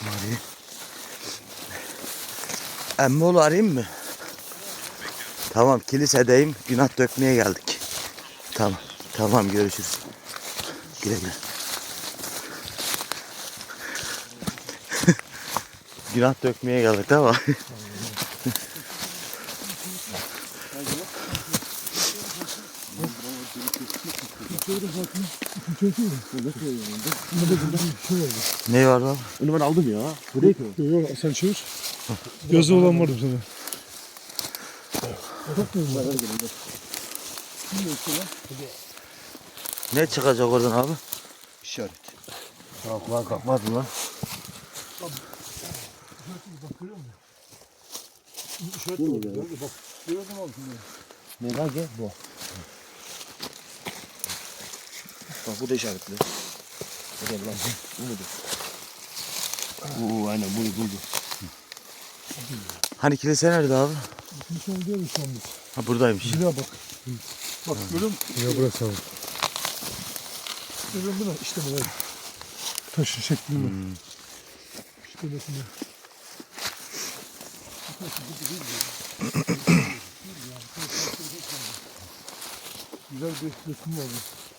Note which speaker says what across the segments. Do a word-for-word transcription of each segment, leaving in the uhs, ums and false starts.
Speaker 1: Mari. Emmoğlu arayayım mı? Tamam, kilisedeyim. Günah dökmeye geldik. Tamam. Tamam, görüşürüz. Güle güle. Günah dökmeye geldik ama. Ne var lan?
Speaker 2: Onu ben aldım ya. Buraya ki.
Speaker 3: Yok yok sen çevir. Yazı olan vardı sana.
Speaker 1: Ne çıkacak oradan abi?
Speaker 2: İşaret. Kalk lan kalkmadı lan.
Speaker 3: Bak görüyor musun? İşaret de oldu. Bak görüyor musun abi şimdi?
Speaker 2: Ne lan ki? Bu. Bak bu da işaretli. Hadi lan. Bu mudur? Oo aynen bunu buldu.
Speaker 1: Hani kilise nerede abi?
Speaker 3: Kimse oldu ya şu an biz.
Speaker 1: Ha, buradaymış.
Speaker 3: Bir daha bak. Bak görüyor musun? Ya burası abi. Görüyor musun? İşte böyle. Taşı şeklinde. Hmm. İşte mesela. Güzel bir resim var.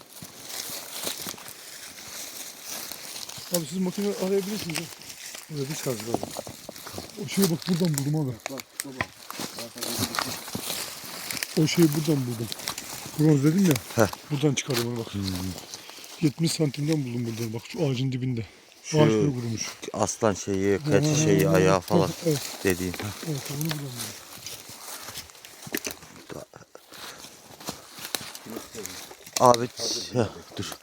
Speaker 3: Abi siz makine arayabilirsiniz ha. Öyle bir şarj var. O şeyi bak buradan buldum abi.
Speaker 2: Bak baba.
Speaker 3: O şeyi buradan buldum. Bronz dedim ya.
Speaker 1: Heh.
Speaker 3: Buradan çıkardım onu bak. Hmm. yetmiş santimden buldum buradan bak şu ağacın dibinde.
Speaker 1: Şu
Speaker 3: Ağaç böyle kurumuş.
Speaker 1: aslan şeyi, keçi şeyi, ayağı falan
Speaker 3: evet.
Speaker 1: dediğin.
Speaker 3: Evet onu buldum.
Speaker 1: Abi ya, dur.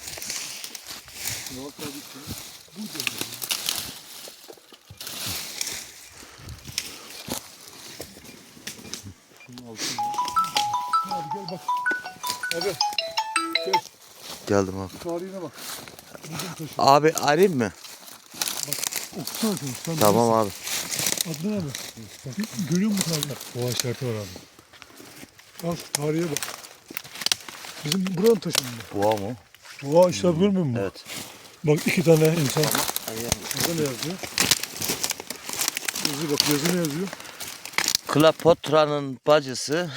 Speaker 3: Abi gel bak. Abi gel.
Speaker 1: Geldim abi.
Speaker 3: Tarihine bak. Bizim taşı.
Speaker 1: Abi arayayım mı?
Speaker 3: Okusana şunu. Sen
Speaker 1: Tamam abi.
Speaker 3: Adnan abi. Bak, görüyor musun tarihi? Boğa işareti var abi. Al tarihe bak. Bizim buranın taşı mı?
Speaker 1: Boğa mı?
Speaker 3: Boğa işareti görmüyor musun?
Speaker 1: Evet.
Speaker 3: Bak iki tane insan. Burada ne yazıyor? Yazıyor bak yazı ne yazıyor?
Speaker 1: Kleopatra'nın bacısı.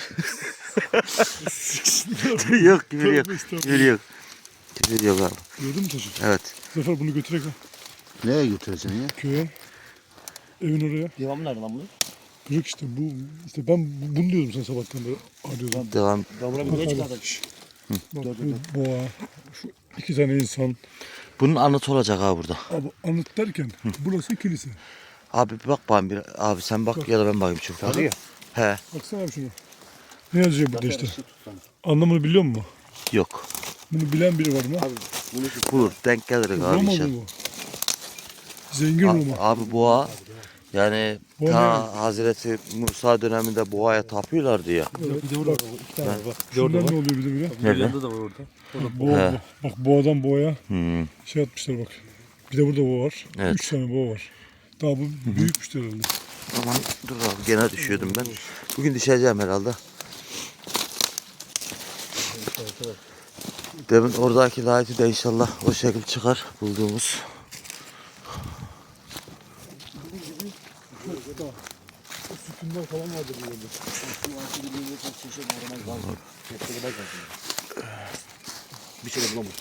Speaker 1: Yok, küfür yok. Küfür yok. Küfür yok abi.
Speaker 3: Gördün mü taşı?
Speaker 1: Evet.
Speaker 3: Zafer bunu götürek ha.
Speaker 2: Nereye götüreceksin ya?
Speaker 3: Köye. Evin oraya.
Speaker 2: Devamı nerede lan bu?
Speaker 3: Kırık işte bu. İşte ben bu- bunu diyordum sen sabahtan beri arıyordum.
Speaker 1: Devam.
Speaker 2: Ben buna bir
Speaker 3: Bak
Speaker 2: ne
Speaker 3: abi,
Speaker 2: çıkardım?
Speaker 3: şş. Bak bu boğa. Şu iki tane insan.
Speaker 1: Bunun anıtı olacak abi burada.
Speaker 3: Abi anıt derken burası kilise.
Speaker 1: Abi bir bak bana bir. Abi sen bak ya da ben bakayım çok.
Speaker 2: Arıyor.
Speaker 1: He.
Speaker 3: Baksana abi şunu. Ne yazıyor burada işte? Anlamını biliyor musun?
Speaker 1: Yok.
Speaker 3: Bunu bilen biri var mı?
Speaker 2: Abi bunu
Speaker 1: Bulur. Denk gelir abi
Speaker 3: Roma
Speaker 1: inşallah.
Speaker 3: mı bu? Zengin
Speaker 1: A-
Speaker 3: Roma.
Speaker 1: Abi boğa yani
Speaker 3: Boğa
Speaker 1: ta Hazreti Musa döneminde boğaya tapıyorlardı ya.
Speaker 3: Evet,
Speaker 2: bir de orada var. İki tane var. Bak.
Speaker 3: şundan ne oluyor bir de bile?
Speaker 1: Nerede?
Speaker 2: Yanında da var orada.
Speaker 3: Bak, boğa,
Speaker 1: He.
Speaker 3: bak boğadan boğaya
Speaker 1: Hmm.
Speaker 3: şey atmışlar bak. Bir de burada boğa var.
Speaker 1: Evet.
Speaker 3: Üç tane boğa var. Daha bu büyükmüştür herhalde.
Speaker 1: Aman dur abi gene düşüyordum ben. Bugün düşeceğim herhalde. Demin oradaki lighti de inşallah o şekil çıkar bulduğumuz.
Speaker 3: O sütunlar falan vardır burada.
Speaker 2: Bir şey de bulamadım.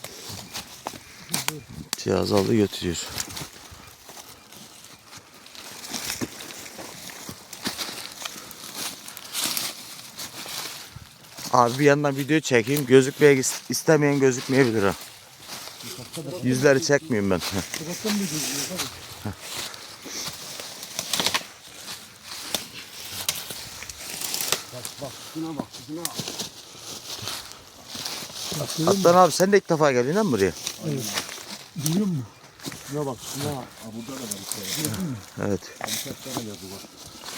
Speaker 1: Cihaz aldı götürüyor. Abi bir yandan video çekeyim. Gözükmeye istemeyen gözükmeyebilir ha. Yüzleri çekmeyeyim ben.
Speaker 3: Sokaktan mı gözüküyor abi?
Speaker 2: Bak şuna bak şuna.
Speaker 1: Aslan abi sen de ilk defa geldin değil mi buraya?
Speaker 3: Evet. Biliyor musun?
Speaker 2: Şuna bak şuna. Aa, burada da var işte.
Speaker 1: Evet.
Speaker 2: Kaç tane yazı var.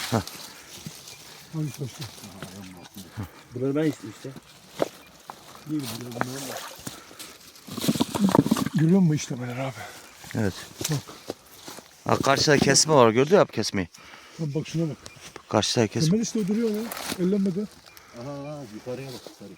Speaker 3: Hangi taşta?
Speaker 2: Bunları ben istedim işte.
Speaker 3: Değil bunlar bunlar var. Görüyor musun işlemeler abi?
Speaker 1: Evet.
Speaker 3: Bak.
Speaker 1: Ha, karşıda kesme var. Gördün mü kesmeyi?
Speaker 3: Lan bak şuna bak.
Speaker 1: Karşıda kesme.
Speaker 3: Hemen işte o duruyor ya. Ellenmedi.
Speaker 2: Aha yukarıya bak yukarı.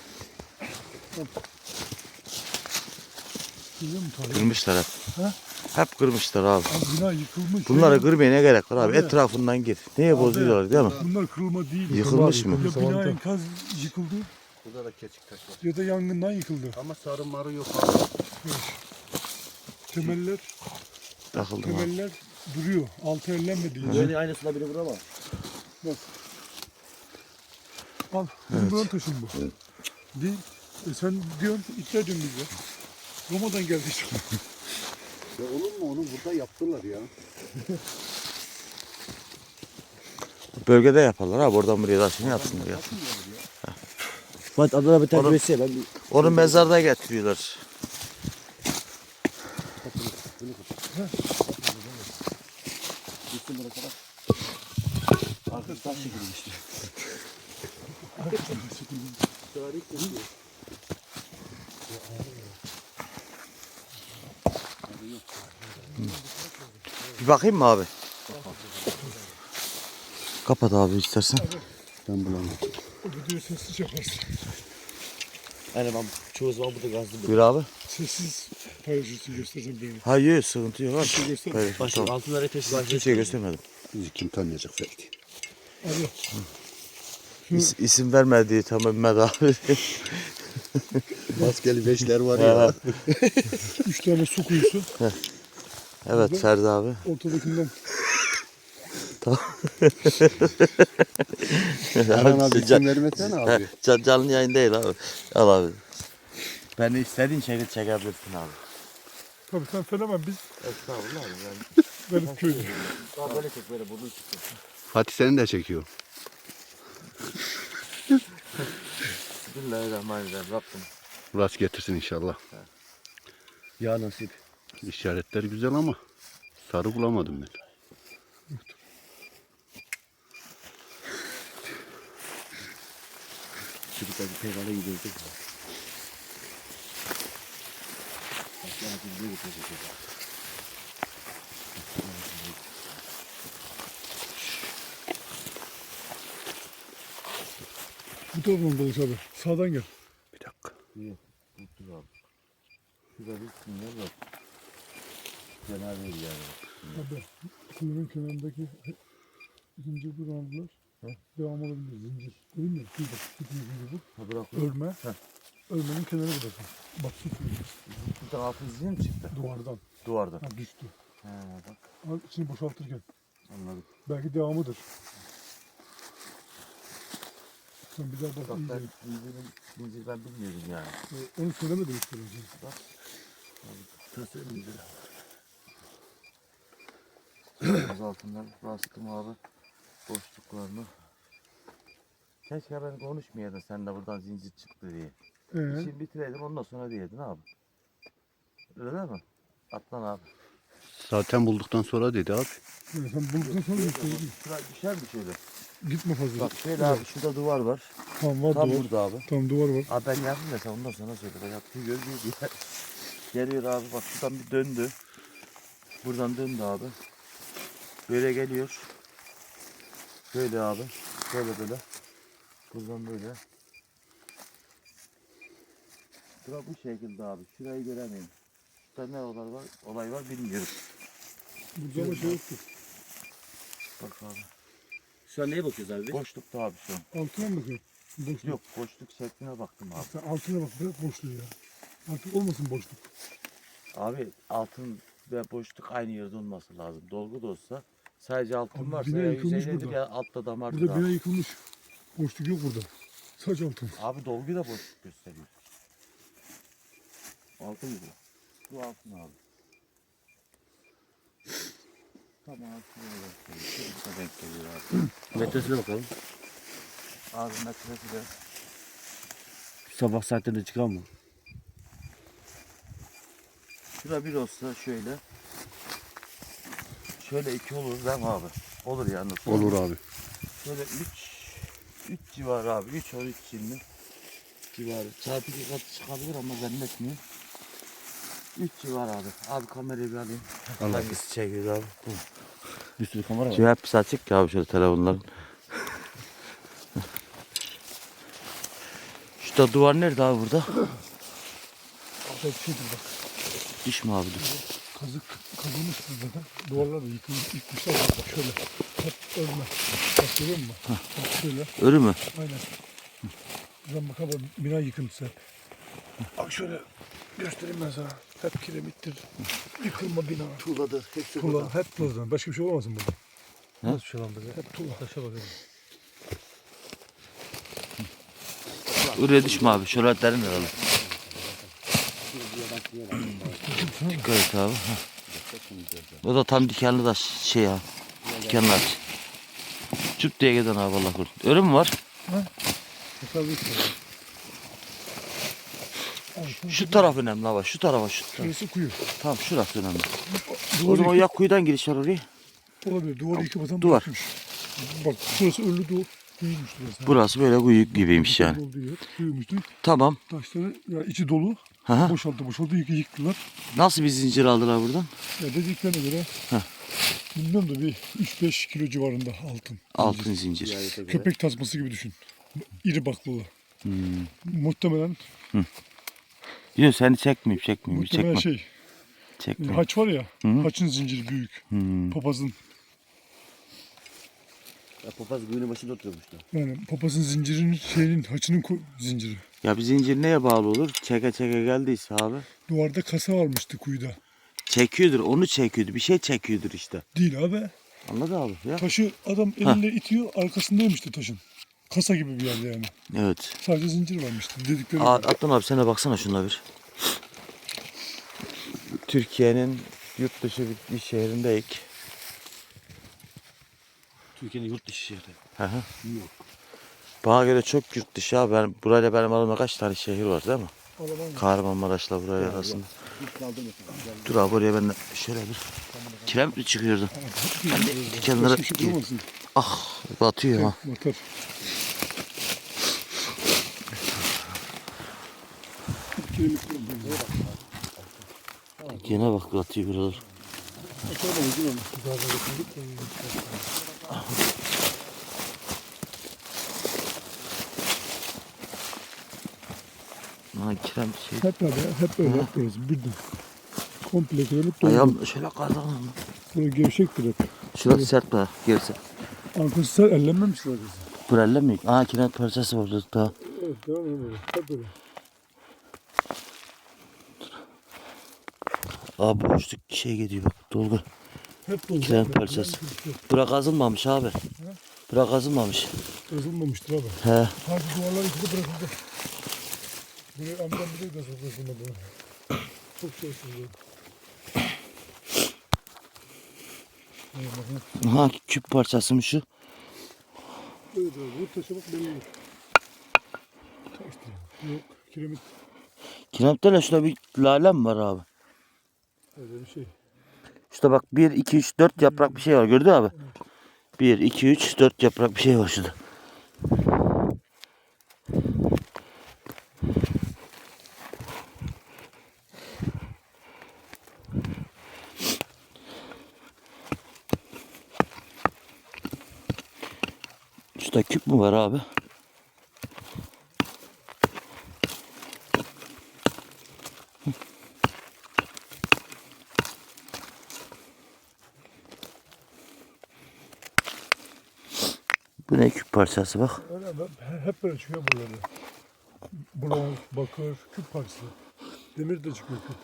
Speaker 3: Görüyor musun tarihi?
Speaker 1: Kırmışlar hep.
Speaker 3: Ha?
Speaker 1: Hep kırmışlar abi.
Speaker 3: Abi bina yıkılmış.
Speaker 1: Bunları kırmaya ne gerek var abi?
Speaker 3: Abi.
Speaker 1: Etrafından gir. Neye bozuyorlar değil mi?
Speaker 3: Bunlar kırılma değil.
Speaker 1: Yıkılmış mı?
Speaker 3: Ya bina enkaz yıkıldı
Speaker 2: Burada da keçik taş var.
Speaker 3: ya da yangından yıkıldı.
Speaker 2: Ama sarı marı yok abi.
Speaker 3: Temeller,
Speaker 1: Takıldım abi.
Speaker 3: temeller duruyor. Altı ellenmedi. Yani.
Speaker 2: Böyle aynısına biri vurama.
Speaker 3: Bak. Al. Bizim buranın taşın bu. Değil. E sen diyorsun, iddia ediyorsun bize. Roma'dan geldi işte.
Speaker 4: Ya olur mu onu burada yaptılar ya.
Speaker 1: Bölgede yaparlar abi. Oradan buraya taşını yapsınlar ya.
Speaker 2: Bak adına bir
Speaker 1: Oğlum.
Speaker 2: terbiyesi ben bir
Speaker 1: Onu mezarda getiriyorlar.
Speaker 2: gitsin buraya kadar. Artık taş çekilmişti. Tarih kesiyor.
Speaker 1: Bir bakayım mı abi? Kapat abi istersen.
Speaker 4: Ben bulamam.
Speaker 3: O videoyu sessiz yaparsın.
Speaker 2: Aynen ben çoğu zaman burada gazlı
Speaker 1: Buyur abi.
Speaker 3: Sessiz paylaşırsın, göstersen beni.
Speaker 1: Ha yok sıkıntı yok abi.
Speaker 3: şey göster.
Speaker 1: Hayır,
Speaker 2: Başka
Speaker 1: tamam.
Speaker 2: altınları teşvik
Speaker 1: Ben kimseye göstermedim.
Speaker 4: Bizi kim tanıyacak Ferdi?
Speaker 3: Abi.
Speaker 1: İs, isim vermediği tamam Mehmet abi.
Speaker 4: Maskeli beşler var ya.
Speaker 3: Üç tane su kuyusu.
Speaker 1: Evet Ferdi abi.
Speaker 3: Ortadakinden
Speaker 4: Erhan abi
Speaker 1: Can-
Speaker 4: isim vermesene abi.
Speaker 1: Can, canlı yayın değil abi. Al abi. Beni istediğin şekilde çekebilirsin abi.
Speaker 3: tabii sen fenomen, biz
Speaker 1: Estağfurullah abi. Ben...
Speaker 3: garip köylü.
Speaker 2: Daha böyle çek böyle burnu çıkıyor.
Speaker 4: Fatih seni de çekiyor.
Speaker 1: Bismillahirrahmanirrahim. Rabbim.
Speaker 4: Rast getirsin inşallah.
Speaker 2: Ya nasip.
Speaker 4: İşaretler güzel ama sarı bulamadım ben.
Speaker 2: Çocuklar bir peygale gidiyoruz. Başka bir şey getirecek.
Speaker 3: Bu taraftan dolaş abi. Sağdan gel.
Speaker 4: Bir dakika.
Speaker 1: Mutlu abi. Şurada bir sinyal var. Fena değil yani.
Speaker 3: Abi. Kuyunun kenarındaki zincir duranlar devam olabilir. Zincir. Değil mi? Kuyu bak. Su kuyu zincir bu.
Speaker 1: Ha bırak.
Speaker 3: Örme. Örmenin kenarı burası. Bak su kuyu.
Speaker 1: Buradan altın zincir mi çıktı?
Speaker 3: Duvardan.
Speaker 1: Duvardan.
Speaker 3: Ha, düştü.
Speaker 1: He bak
Speaker 3: Al içini boşaltırken.
Speaker 1: anladım.
Speaker 3: Belki devamıdır. Sen bir daha bak
Speaker 1: Bak
Speaker 3: iyice.
Speaker 1: ben zincirin, zincir ben bilmiyordum yani.
Speaker 3: Ee, Onu söylemedim işte önce.
Speaker 1: Tası zincir. Az altından bastım abi. Boşluklarını. Keşke ben konuşmayaydın sen de buradan zincir çıktı diye.
Speaker 3: Ee,
Speaker 1: İşini bitireydin ondan sonra diyedin abi. Öyle değil mi? Atlan abi.
Speaker 4: Zaten bulduktan sonra dedi abi.
Speaker 3: yani sen bulduktan sonra gösterdin.
Speaker 1: Şuraya düşer mi şöyle?
Speaker 3: Gitme fazla.
Speaker 1: Bak şöyle abi şurada duvar var.
Speaker 3: Tamam var
Speaker 1: Tam
Speaker 3: duvar.
Speaker 1: burada abi.
Speaker 3: Tamam duvar var.
Speaker 1: Abi ben yaptım da sen ondan sonra söyle. Ben yaptığı görmüyor diye. Geliyor abi bak şuradan bir döndü. Buradan döndü abi. Böyle geliyor. Böyle abi. Böyle böyle. Buradan böyle. Bura bu şekilde abi. Şurayı göremiyorum. Şurada ne olay var, olay var bilmiyorum.
Speaker 3: Burada ama şey yoktu.
Speaker 1: Bak abi.
Speaker 2: Şu an neye bakıyoruz abi?
Speaker 1: Boşlukta abi şu an.
Speaker 3: Altına mı bakıyorsun? Boşluk.
Speaker 1: Yok boşluk şekline baktım abi.
Speaker 3: Sen altına bak, bırak boşluğu ya. Artık olmasın boşluk.
Speaker 1: Abi altın ve boşluk aynı yerde olması lazım. Dolgu da olsa sadece altın
Speaker 3: Abi
Speaker 1: varsa
Speaker 3: bina
Speaker 1: ya
Speaker 3: yıkılmış
Speaker 1: yüzeydedir
Speaker 3: burada.
Speaker 1: ya altta damardır
Speaker 3: Burada
Speaker 1: abi.
Speaker 3: bina yıkılmış. Boşluk yok burada. Sadece altın.
Speaker 1: Abi dolgu da boşluk gösteriyor. Altın mı bu? Bu altın abi. Tamam altın gösteriyor. Şurada denk geliyor abi.
Speaker 2: Metresine bakalım.
Speaker 1: Abi metresi de
Speaker 2: Sabah saatlerinde çıkan mı?
Speaker 1: şura bir olsa şöyle. Şöyle iki olur değil mi abi? Olur yani.
Speaker 4: Olur abi.
Speaker 1: Şöyle üç üç civarı abi. üç on üç şimdi civarı. Çarpı iki kat çıkabilir ama zannetmiyorum. üç civarı abi. Abi kamerayı bir alayım.
Speaker 4: Allah.
Speaker 1: Hangisi çekiyor abi? Bu.
Speaker 2: Bir sürü kamera var.
Speaker 1: Şimdi hepsi açık ya abi şöyle telefonların. Şurada duvar nerede abi burada?
Speaker 3: Burada bir şeydir bak.
Speaker 1: Diş mi abi dur.
Speaker 3: Kazık kazılmıştır zaten. Duvarlar da yıkılmış, yıkmışlar. Bak şöyle. Hep örme. Bak görüyor musun? Bak şöyle.
Speaker 1: Örü mü?
Speaker 3: Aynen. Buradan bakalım bina yıkıntısı hep. Bak şöyle göstereyim ben sana. Hep kiremittir. Yıkılma bina.
Speaker 2: Tuğladır. Hepsi
Speaker 3: Tuğla. Hep tuğla. Başka bir şey olamazsın burada.
Speaker 2: Nasıl bir şey lan böyle?
Speaker 3: Hep tuğla.
Speaker 2: Taşa bakalım.
Speaker 1: Oraya düşme abi. Şöyle derin herhalde. Dikkat et abi. Heh. O da tam dikenli taş şey ya. Dikenli taş. Çüp diye giden abi Allah korusun. Örü mü var?
Speaker 3: Tasarruf var.
Speaker 1: Şu taraf önemli abi. Şu tarafa şu taraf.
Speaker 3: Şurası kuyu.
Speaker 1: Tamam şurası önemli. O
Speaker 3: Duvarı
Speaker 1: zaman
Speaker 3: yıkıp,
Speaker 1: ya kuyudan giriş var oraya.
Speaker 3: olabilir. Duvarı yıkıp atan
Speaker 1: Duvar.
Speaker 3: bırakmış. Bak şurası ölü duvar. Kuyuymuş burası.
Speaker 1: Burası böyle kuyu gibiymiş yani.
Speaker 3: Olduğu yer. Kuyuymuştu.
Speaker 1: Tamam.
Speaker 3: Taşları ya içi dolu.
Speaker 1: Hı hı.
Speaker 3: Boşalttı boşalttı yıkı yıktılar.
Speaker 1: Nasıl bir zincir aldılar buradan?
Speaker 3: Ya dediklerine göre
Speaker 1: Heh.
Speaker 3: bilmiyorum da bir üç beş kilo civarında altın.
Speaker 1: Altın zincir.
Speaker 3: Köpek tasması gibi düşün. İri baklalı.
Speaker 1: Hmm.
Speaker 3: Muhtemelen
Speaker 1: Yok seni çekmeyeyim çekmeyeyim.
Speaker 3: muhtemelen
Speaker 1: Çekme.
Speaker 3: şey.
Speaker 1: Çekme.
Speaker 3: Haç var ya.
Speaker 1: Hı.
Speaker 3: Haçın zinciri büyük.
Speaker 1: Hmm.
Speaker 3: Papazın.
Speaker 2: Ya papaz kuyunun başında oturuyormuştu.
Speaker 3: Yani papazın zincirinin şeyinin haçının ko- zinciri.
Speaker 1: Ya bir zincir neye bağlı olur? Çeke çeke geldiyse abi.
Speaker 3: Duvarda kasa varmıştı kuyuda.
Speaker 1: Çekiyordur, onu çekiyordur. Bir şey çekiyordur işte.
Speaker 3: Değil abi.
Speaker 1: Anladın abi ya?
Speaker 3: Taşı adam eliyle itiyor arkasındaymıştı taşın. Kasa gibi bir yerde yani.
Speaker 1: Evet.
Speaker 3: Sadece zincir varmıştı dedikleri.
Speaker 1: Aa,
Speaker 3: gibi.
Speaker 1: Adnan abi sen de baksana şuna bir. Türkiye'nin yurt dışı bir, bir şehrindeyiz.
Speaker 2: Türkiye'nin yurt dışı şehri.
Speaker 1: Hı hı. Bana göre çok yurt dışı abi. Ben, burayla benim aramda kaç tane şehir var değil mi?
Speaker 3: Alaman
Speaker 1: Kahramanmaraş'la buraya arasında.
Speaker 2: Hiç kaldı mesela.
Speaker 1: Dur abi oraya ben de şöyle bir kiremit mi çıkıyordu? Ben de kenara
Speaker 3: Başka bir şey bulamazsın.
Speaker 1: ah batıyor ha.
Speaker 3: Batar. Kiremit bulamazsın.
Speaker 1: Gene bak batıyor buralar.
Speaker 3: Açamayız değil mi?
Speaker 1: Ha kiremit şey.
Speaker 3: Hep böyle, hep böyle, hep böyle. Birden. Komple kiremit dolu.
Speaker 1: Ayağım şöyle kazanım.
Speaker 3: Böyle gevşektir hep.
Speaker 1: Şurası sert bana gerisi.
Speaker 3: Arkası ser ellenmemiştir arkası.
Speaker 1: Burelle mi? Aa kiremit parçası var daha.
Speaker 3: Evet, devam edelim böyle. Hep böyle.
Speaker 1: Abi boşluk şey gidiyor bak dolgu.
Speaker 3: Hep dolu.
Speaker 1: Kiremit parçası. Bura kazılmamış abi. Bura kazılmamış.
Speaker 3: Yazılmamıştır abi.
Speaker 1: He.
Speaker 3: Sadece duvarlar ikide bırakıldı. Buraya amcam bir de yazılmadı. Çok şey sızıyor.
Speaker 1: Ha küp parçası mı şu?
Speaker 3: Evet abi, bu taşa bak belli olur. Taştı. Yok, kiremit
Speaker 1: Kiremitte de şurada bir lale mi var abi?
Speaker 3: öyle bir şey.
Speaker 1: Şurada bak bir, iki, üç, dört yaprak bir şey var gördün mü abi? bir, iki, üç, dört yaprak bir şey var şurada. Şurada küp mü var abi? Bu ne küp parçası bak.
Speaker 3: Öyle abi, hep böyle çıkıyor buralarda. Bronz, bakır, küp parçası. Demir de çıkıyor küp.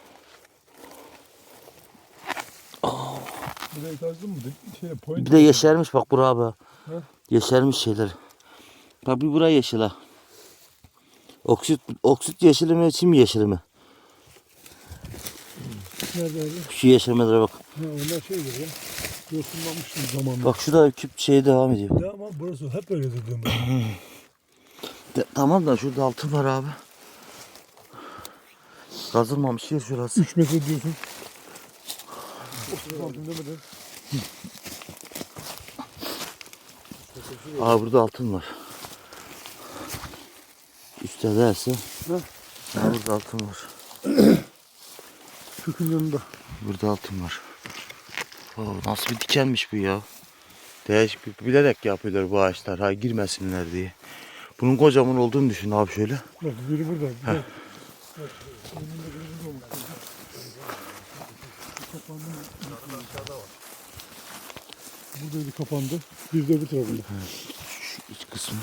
Speaker 3: Buraya kazdın mı? Şey, point
Speaker 1: Bir de yeşermiş bak bura abi.
Speaker 3: He?
Speaker 1: Yeşermiş şeyler. Bak bir buraya yeşil ha. Oksit, oksit yeşili mi, çim yeşili mi?
Speaker 3: Nerede abi?
Speaker 1: Şu yeşilmelere bak.
Speaker 3: Ha, onlar şeydir ya. Yosunlanmıştır zamanla.
Speaker 1: Bak şurada küp şey devam ediyor.
Speaker 3: Ya ama burası hep öyle dedim.
Speaker 1: De, tamam da şurada altın var abi. Kazılmamış yer şurası.
Speaker 3: üç metre diyorsun. otuz altın demeden.
Speaker 1: Aa burada altın var. Üstte derse.
Speaker 3: Ha?
Speaker 1: Ha, burada altın var.
Speaker 3: Kökün yanında.
Speaker 1: Burada altın var. Oo, nasıl bir dikenmiş bu ya. Değişik bir bilerek yapıyorlar bu ağaçlar. Ha girmesinler diye. Bunun kocaman olduğunu düşün abi şöyle.
Speaker 3: Bak biri burada. Bir de- bak, önünde biri burada olmuş. Buradaydı kapandı. Bir de öbür tarafında.
Speaker 1: Şu iç kısmı.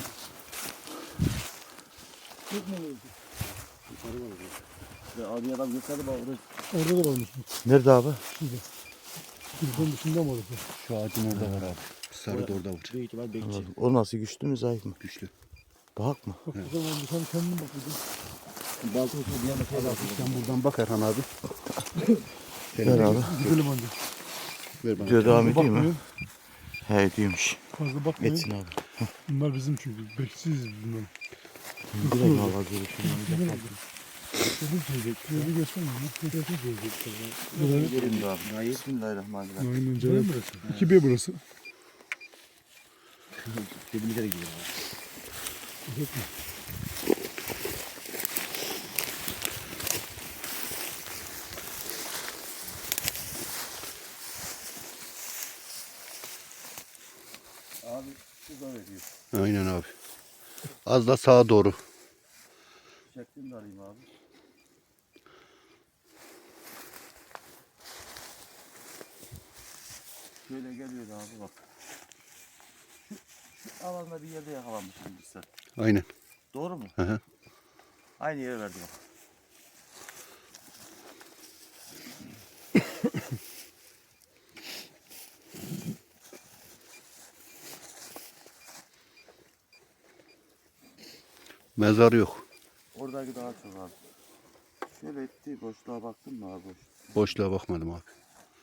Speaker 3: Yok mu öyle?
Speaker 2: Yukarı var orada. Abi adam gösterdi bana orada.
Speaker 3: Orada da varmış.
Speaker 1: Nerede abi?
Speaker 3: Şurada. Kırkın dışında mı orası?
Speaker 4: Şu ağacın orada var abi. Sarı da orada var.
Speaker 2: Büyük ihtimal bekçi.
Speaker 1: Anladım. O nasıl, güçlü mü zayıf mı?
Speaker 4: Güçlü.
Speaker 1: Bak mı?
Speaker 3: Bak o zaman sen kendin bak.
Speaker 2: Balta uçuyor bir yana şey var.
Speaker 4: Sen buradan bak Erhan abi.
Speaker 1: Ver abi.
Speaker 3: Gidelim anne.
Speaker 4: Ver bana.
Speaker 1: Video devam ediyor mu?
Speaker 3: Bakmayın.
Speaker 1: He ediyormuş.
Speaker 3: Fazla bakmayın.
Speaker 1: Etsin abi.
Speaker 3: Bunlar bizim çünkü. Bekçisiyiz bunlar.
Speaker 1: Direkt valla görüşürüz.
Speaker 3: Dedim söyleyecek. Şöyle göstermiyor mu? Göstersin söyleyecek.
Speaker 1: Gelin abi. Hayır. Bismillahirrahmanirrahim.
Speaker 3: Aynen canım. iki B burası.
Speaker 2: Dibimize de gidiyor.
Speaker 1: Abi şurada veriyor.
Speaker 4: Aynen abi. Az da sağa doğru.
Speaker 1: Çektim de alayım abi. Şöyle geliyor abi bak. Şu, şu alanda bir yerde yakalanmışım biz sen.
Speaker 4: Aynen.
Speaker 1: Doğru mu?
Speaker 4: Hı hı.
Speaker 1: Aynı yere verdi bak.
Speaker 4: Mezar yok.
Speaker 1: Oradaki daha çok abi. Şöyle etti, boşluğa baktın mı abi? Boş.
Speaker 4: Boşluğa bakmadım abi.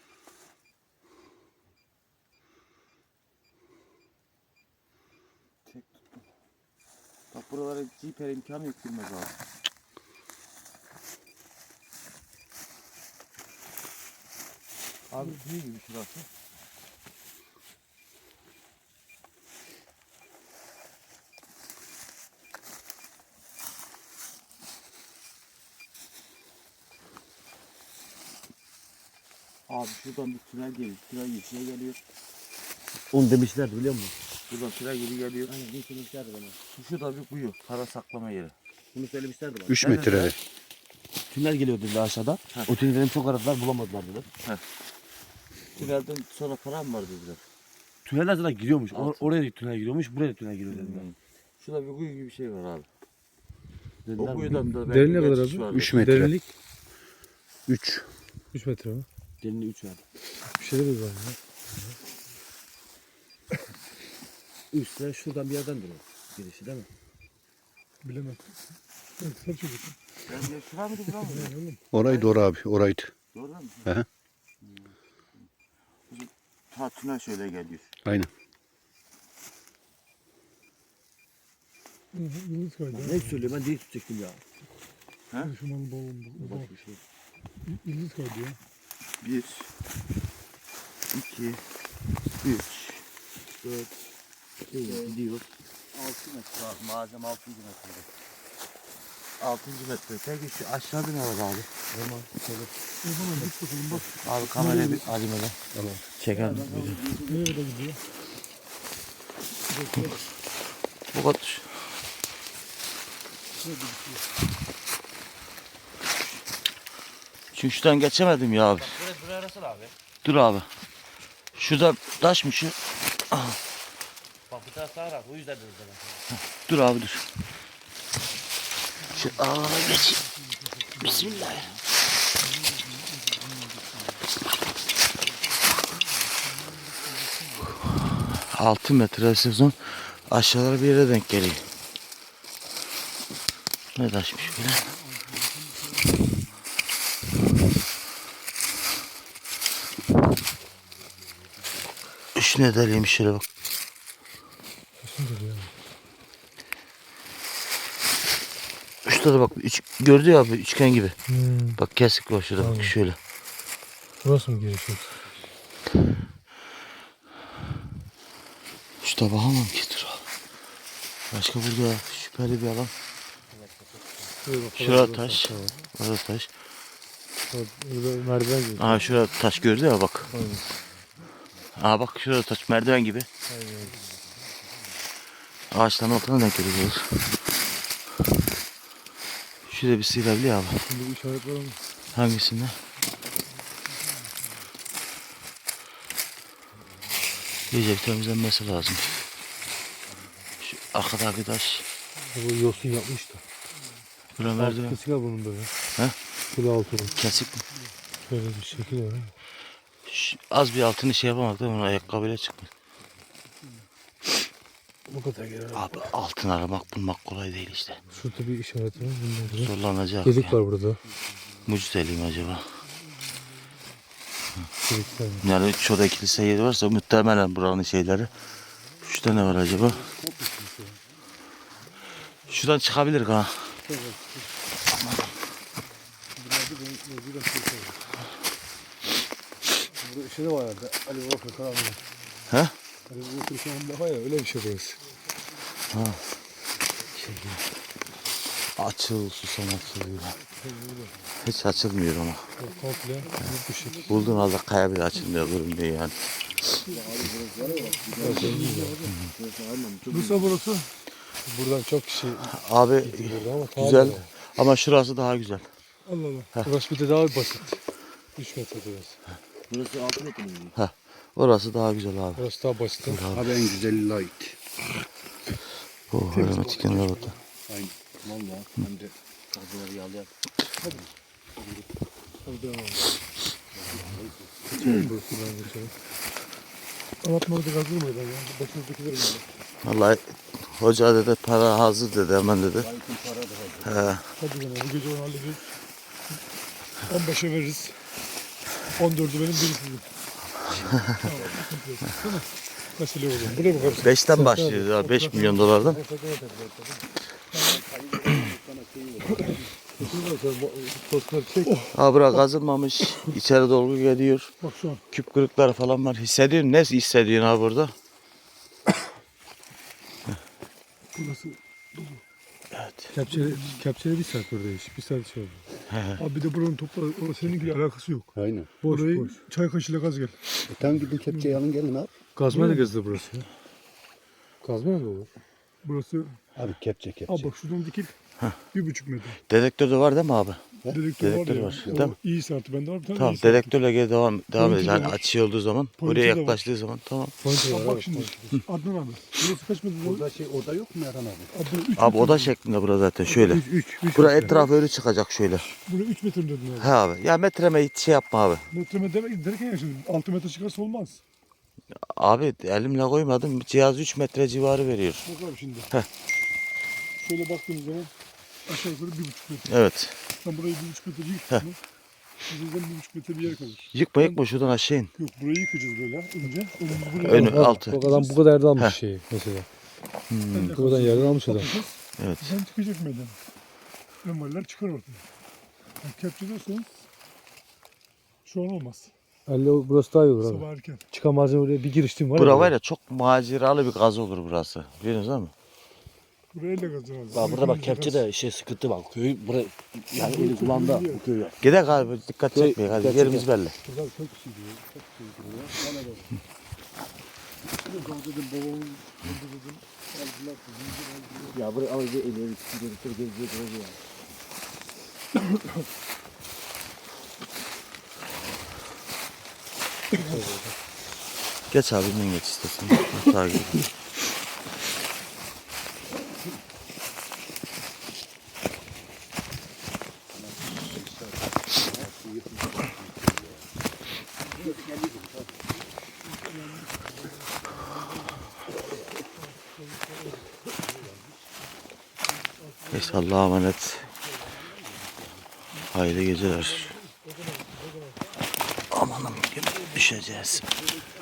Speaker 1: Çek tuttum. Bak buralara ciper imkanı yok, girmez abi. Abi büyük gibi şurası. Abi şuradan bir tünel geliyor. Tünel yeşile geliyor.
Speaker 2: Onu demişlerdi biliyor musun?
Speaker 1: Buradan tünel gibi geliyor.
Speaker 2: Aynen bunu söylemişlerdi bana.
Speaker 1: Şu da bir kuyu. Para saklama yeri.
Speaker 2: Bunu söylemişlerdi bana.
Speaker 4: üç
Speaker 1: Evet,
Speaker 4: metre.
Speaker 1: evet.
Speaker 2: Tünel geliyor dediler aşağıdan.
Speaker 1: Heh.
Speaker 2: O tünelden çok aradılar bulamadılar dediler.
Speaker 1: Tünelden sonra para mı var dediler.
Speaker 2: Tüneller zaten giriyormuş. Or-
Speaker 1: Altın.
Speaker 2: oraya da tünel giriyormuş, buraya da tünel giriyor dediler.
Speaker 1: Hmm. Şurada bir kuyu gibi bir şey var abi.
Speaker 2: Dediler
Speaker 1: O
Speaker 2: mi?
Speaker 1: kuyudan da
Speaker 3: Derin ne
Speaker 1: belki
Speaker 3: kadar
Speaker 1: geçiş
Speaker 3: abi?
Speaker 1: vardır.
Speaker 4: üç metre.
Speaker 3: Derinlik
Speaker 4: üç.
Speaker 3: üç metre mi?
Speaker 2: Derinliği üç verdi.
Speaker 3: Bir şeyler de var ya.
Speaker 2: Üstte şuradan bir yerden duruyor. Girişi değil mi?
Speaker 3: Bilemem. Evet, sen çocuk.
Speaker 1: Ben de şura mıydı bura mıydı?
Speaker 3: Ne oğlum?
Speaker 4: Orayı doğru abi. Oraydı.
Speaker 1: Doğru mu?
Speaker 4: Hı hı.
Speaker 1: Ha tünel şöyle geliyor.
Speaker 4: Aynen.
Speaker 3: Hı hı, Yıldız kaydı.
Speaker 2: Ne söylüyor ben değil tutacaktım ya.
Speaker 1: Ha?
Speaker 3: Şu malı bol bol. bol.
Speaker 2: Bak bir şey.
Speaker 3: Yıldız kaydı ya.
Speaker 1: Bir, iki, üç, dört,
Speaker 2: Şey, gidiyor.
Speaker 1: altı metre abi. Malzeme altıncı metrede. Altıncı metre. Peki şu aşağıda ne var abi?
Speaker 2: Tamam. Şöyle.
Speaker 3: O zaman git bakalım bak.
Speaker 1: Abi kamerayı bir alayım hele.
Speaker 2: Tamam.
Speaker 1: Çeker.
Speaker 3: Nereye kadar gidiyor?
Speaker 1: Bu kadar. Çünkü şuradan geçemedim ya abi.
Speaker 2: Buraya buraya arasın abi.
Speaker 1: Dur abi. Şurada taş mı şu?
Speaker 2: Bak bu taraf sağ o yüzden dedim sana.
Speaker 1: Dur abi dur. Şu alana geç. Bismillah. Altı metre sezon aşağılara bir yere denk geliyor. Ne taşmış böyle? Üç ne deliymiş şöyle bak. Şurada da bak üç, gördü ya abi üçgen gibi.
Speaker 3: Hmm.
Speaker 1: Bak kesik var şurada bak şöyle.
Speaker 3: Burası mı gerekiyor?
Speaker 1: Şu tabağa mı gidiyor abi? Başka burada şüpheli bir alan. Şurada taş. Orada taş.
Speaker 3: Burada merdiven gibi.
Speaker 1: Aa şurada taş gördü ya bak. Aa bak şurada taş merdiven gibi. Ağaçların altına denk geliyor. Şurada bir sıyırabiliyor abi.
Speaker 3: Şimdi bu işaret var ama.
Speaker 1: Hangisinde? İyice bir temizlenmesi lazım. Şu arkadaki taş.
Speaker 3: Bu yosun yapmış da.
Speaker 1: Bura
Speaker 3: Altı
Speaker 1: merdiven.
Speaker 3: kesik var bunun böyle.
Speaker 1: He?
Speaker 3: Şöyle altı.
Speaker 1: Kesik mi?
Speaker 3: Şöyle bir şekil var.
Speaker 1: Şu- az bir altını şey yapamadık değil mi? Ayakkabıyla çıkmış.
Speaker 3: Bu kadar gelir.
Speaker 1: Abi altın aramak bulmak kolay değil işte.
Speaker 3: Şurada bir işaret var. Bunlar da.
Speaker 1: Zorlanacak.
Speaker 3: Delik
Speaker 1: ya.
Speaker 3: var burada.
Speaker 1: Mucit eliyim acaba?
Speaker 3: Delikler var.
Speaker 1: Yani çoğda kilise yeri varsa muhtemelen buranın şeyleri. Şurada ne var acaba? Şuradan çıkabilir ha.
Speaker 3: Burada şey de var herhalde. Ali Baba Fırkan abi.
Speaker 1: He?
Speaker 3: Ali Baba Fırkan var ya öyle bir şey burası.
Speaker 1: Açıl susam açılıyor. Hiç açılmıyor ama.
Speaker 3: Komple büyük bir şekil.
Speaker 1: Bulduğun halde kaya bile açılmıyor, görünmüyor yani.
Speaker 3: Bursa burası. Buradan çok kişi
Speaker 1: Abi
Speaker 3: burada ama tarihi
Speaker 1: güzel
Speaker 3: var.
Speaker 1: ama şurası daha güzel.
Speaker 3: Allah Allah. Burası bir de daha basit. üç metre burası.
Speaker 2: Burası altı metre mi?
Speaker 1: Heh, orası daha güzel abi.
Speaker 3: Burası daha basit.
Speaker 4: Abi en güzeli light.
Speaker 1: Oh, öyle çıkın orada.
Speaker 2: Aynen. Valla. Hem de kazıları yağlayan.
Speaker 3: Anlatmadı kazılmıyor ya. Başımızdakiler mi?
Speaker 1: Vallahi hoca dedi para hazır dedi hemen dedi. He,
Speaker 3: Hadi gene bu gece onu hallederiz. on beşe veririz. on dördü benim, biri sizin. Tamam, sıkıntı yok. Değil mi? Mesele olur. Buraya bakarız.
Speaker 1: beşten başlıyor ya, beş milyon dolardan.
Speaker 3: Tostları çek.
Speaker 1: Ha bura kazılmamış. İçeri dolgu geliyor.
Speaker 3: Bak şu an.
Speaker 1: Küp kırıkları falan var. Hissediyorsun. Ne hissediyorsun abi burada?
Speaker 3: Burası
Speaker 1: Evet.
Speaker 3: kepçeli, kepçeli bir saat buradayız. Bir saat şey oldu. Abi bir de buranın toprağı, o seninkiyle alakası yok.
Speaker 4: Aynen.
Speaker 3: Boş, Orayı boş. Çay kaşığıyla gaz gel.
Speaker 4: E, tam gidin kepçeyi alın gelin abi.
Speaker 3: Kazma da gezdi burası. Kazma da olur. Burası,
Speaker 4: Abi kepçe kepçe.
Speaker 3: abi bak şuradan dikil. Bir buçuk metre.
Speaker 1: Dedektör de var değil mi abi?
Speaker 3: Dedektör,
Speaker 1: Dedektör
Speaker 3: var ya.
Speaker 1: var,
Speaker 3: O
Speaker 1: değil mi?
Speaker 3: iyi saati bende var bir tane.
Speaker 1: Tamam,
Speaker 3: iyi saati.
Speaker 1: dedektörle geri devam devam
Speaker 3: Pointer
Speaker 1: edeceğiz.
Speaker 3: de
Speaker 1: Yani
Speaker 3: var.
Speaker 1: açı olduğu zaman,
Speaker 3: Pointer
Speaker 1: oraya
Speaker 3: de var.
Speaker 1: yaklaştığı zaman tamam.
Speaker 3: Pointer var. Bak şimdi. Adnan abi. Burası kaç metre? Burada
Speaker 4: Burada şey oda yok mu Erhan abi?
Speaker 3: Abi, burası üç
Speaker 1: Abi
Speaker 3: metre
Speaker 1: oda
Speaker 3: mi?
Speaker 1: şeklinde bura zaten şöyle.
Speaker 3: üç, üç, üç
Speaker 1: Bura
Speaker 3: metre.
Speaker 1: etrafı öyle çıkacak şöyle.
Speaker 3: Buraya üç metre mi dedin abi?
Speaker 1: He abi. Ya metreme hiç şey yapma abi.
Speaker 3: Metre demek derken ya şimdi altı metre çıkarsa olmaz.
Speaker 1: Abi elimle koymadım. Cihaz üç metre civarı veriyor.
Speaker 3: Bak abi şimdi.
Speaker 1: Heh.
Speaker 3: Şöyle baktığımız zaman aşağı yukarı bir buçuk metre.
Speaker 1: Evet.
Speaker 3: Sen burayı bir buçuk metre yıktın mı? Bizden bir buçuk metre bir yer kalır.
Speaker 1: Yıkma yıkma şuradan aşağı in.
Speaker 3: Yok burayı yıkacağız böyle önce. Önümüzü buraya
Speaker 1: Önü
Speaker 3: alalım.
Speaker 1: altı.
Speaker 5: Bak adam bu kadar yerden almış
Speaker 1: Heh.
Speaker 5: şeyi mesela.
Speaker 3: Sen de
Speaker 5: Buradan yerden almış adam.
Speaker 3: kapatacağız.
Speaker 1: Evet.
Speaker 3: Sen çıkacak meydana. Ömerler çıkar ortaya. Yani kepçeliyorsanız şu an olmaz.
Speaker 5: Elle burası daha iyi olur abi.
Speaker 3: Sabah erken.
Speaker 5: Çıkan malzeme oraya bir giriştim var
Speaker 1: Bura
Speaker 5: ya.
Speaker 1: var ya çok maceralı bir gaz olur burası. Biliyorsunuz değil mi?
Speaker 3: Buraya elle kazanacağız.
Speaker 2: Bak burada bak kepçe de şey sıkıntı bak. Köy buraya yani eli kulağında bu köy.
Speaker 1: Gidelim abi, dikkat
Speaker 2: Şey,
Speaker 1: çekmeyin. Hadi
Speaker 2: dikkat
Speaker 1: yerimiz
Speaker 2: çekme.
Speaker 1: belli.
Speaker 3: Burada çok kişi diyor. Çok kişi diyor. Bana da. Dedim babamın dedim. Aldılar.
Speaker 2: Ya buraya al bir eli eli tutuyor tutuyor geziyor geziyor.
Speaker 1: Geç abi, ben geç istersen. Takip et. Neyse, Allah'a emanet. Hayırlı geceler. Amanım, düşeceğiz.